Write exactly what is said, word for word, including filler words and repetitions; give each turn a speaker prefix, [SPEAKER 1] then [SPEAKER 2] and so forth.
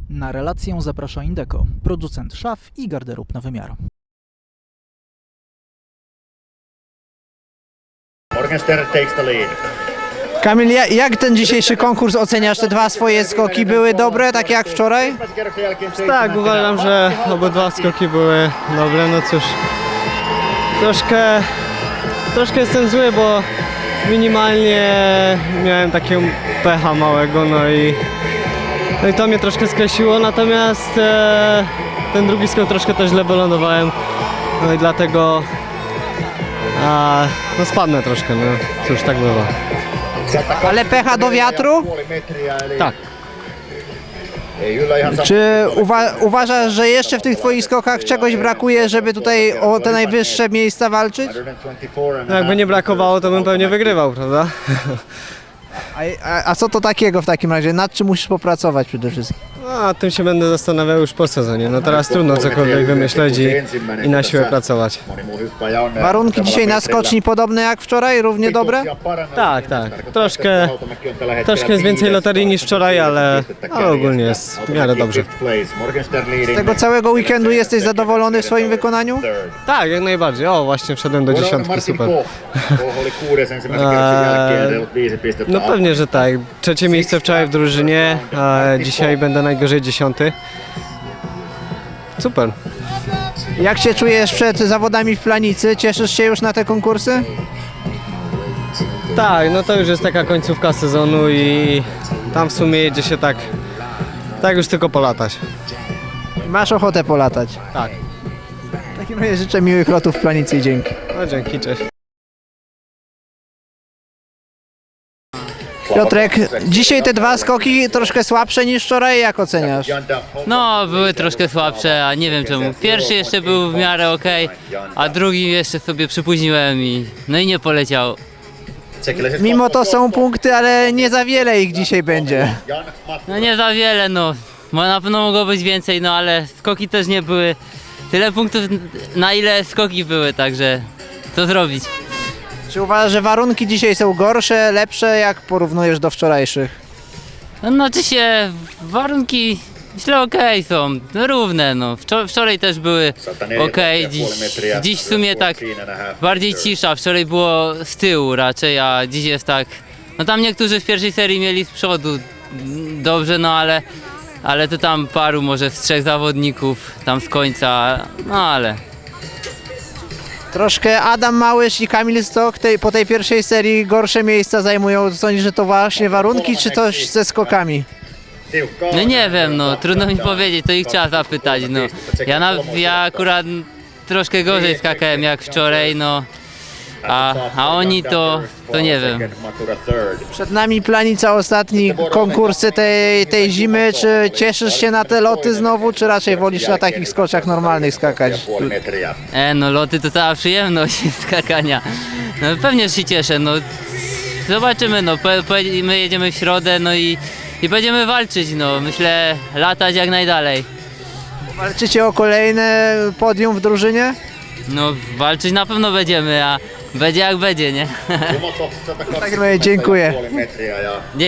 [SPEAKER 1] Na relację zaprasza Indeco, producent szaf i garderób na wymiar.
[SPEAKER 2] Morgenstern takes the lead.
[SPEAKER 3] Kamil, ja- jak ten dzisiejszy konkurs oceniasz? Te dwa swoje skoki były dobre, takie jak wczoraj?
[SPEAKER 4] Tak, uważam, że obydwa skoki były dobre. No cóż, troszkę, troszkę jestem zły, bo minimalnie miałem takiego pecha małego, no i, no i to mnie troszkę skreśliło, natomiast e, ten drugi skok troszkę też źle wylądowałem, no i dlatego a, no spadnę troszkę, no cóż, tak bywa.
[SPEAKER 3] Ale pecha do wiatru?
[SPEAKER 4] Tak.
[SPEAKER 3] Czy uwa- uważasz, że jeszcze w tych twoich skokach czegoś brakuje, żeby tutaj o te najwyższe miejsca walczyć?
[SPEAKER 4] No jakby nie brakowało, to bym pewnie wygrywał, prawda?
[SPEAKER 3] A, a, a co to takiego w takim razie? Nad czym musisz popracować przede wszystkim?
[SPEAKER 4] No, a tym się będę zastanawiał już po sezonie. No teraz trudno cokolwiek wymyśleć i, i na siłę pracować.
[SPEAKER 3] Warunki dzisiaj na skoczni podobne jak wczoraj? Równie dobre?
[SPEAKER 4] Tak, tak. Troszkę, troszkę jest więcej loterii niż wczoraj, ale, ale ogólnie jest w miarę dobrze.
[SPEAKER 3] Z tego całego weekendu jesteś zadowolony w swoim wykonaniu?
[SPEAKER 4] Tak, jak najbardziej. O, właśnie wszedłem do dziesiątki, super. No pewnie, że tak. Trzecie miejsce wczoraj w drużynie, a dzisiaj będę najgorzej dziesiąty. Super.
[SPEAKER 3] Jak się czujesz przed zawodami w Planicy? Cieszysz się już na te konkursy?
[SPEAKER 4] Tak, no to już jest taka końcówka sezonu i tam w sumie jedzie się tak, tak już tylko polatać.
[SPEAKER 3] Masz ochotę polatać?
[SPEAKER 4] Tak.
[SPEAKER 3] W takim razie życzę miłych lotów w Planicy i dzięki.
[SPEAKER 4] No dzięki, cześć.
[SPEAKER 3] Piotrek, dzisiaj te dwa skoki troszkę słabsze niż wczoraj, jak oceniasz?
[SPEAKER 5] No, były troszkę słabsze, a nie wiem czemu. Pierwszy jeszcze był w miarę ok, a drugi jeszcze sobie przypóźniłem i no i nie poleciał.
[SPEAKER 3] Mimo to są punkty, ale nie za wiele ich dzisiaj będzie.
[SPEAKER 5] No nie za wiele, no. Bo na pewno mogło być więcej, no ale skoki też nie były tyle punktów, na ile skoki były, także co zrobić?
[SPEAKER 3] Czy uważasz, że warunki dzisiaj są gorsze, lepsze, jak porównujesz do wczorajszych?
[SPEAKER 5] No znaczy się, warunki myślę okej są, no równe, no. Wczor- wczoraj też były okej, dziś, dziś w sumie tak bardziej cisza, wczoraj było z tyłu raczej, a dziś jest tak, no tam niektórzy w pierwszej serii mieli z przodu mm, dobrze, no ale, ale to tam paru może z trzech zawodników tam z końca, no ale.
[SPEAKER 3] Troszkę Adam Małysz i Kamil Stok tej, po tej pierwszej serii gorsze miejsca zajmują. Sądzisz, że to właśnie warunki, czy coś ze skokami?
[SPEAKER 5] No nie wiem, no trudno mi powiedzieć, to ich trzeba zapytać, no. Ja, na, ja akurat troszkę gorzej skakałem jak wczoraj, no. A, a oni to, to nie wiem.
[SPEAKER 3] Przed nami Planica, ostatni konkursy tej, tej zimy. Czy cieszysz się na te loty znowu, czy raczej wolisz na takich skoczach normalnych skakać?
[SPEAKER 5] E, no loty to cała przyjemność skakania. No pewnie się cieszę, no. Zobaczymy, no. Po, po, my jedziemy w środę, no i, i będziemy walczyć, no. Myślę, latać jak najdalej.
[SPEAKER 3] Walczycie o kolejne podium w drużynie?
[SPEAKER 5] No walczyć na pewno będziemy, a będzie jak będzie, nie?
[SPEAKER 3] W takim razie dziękuję.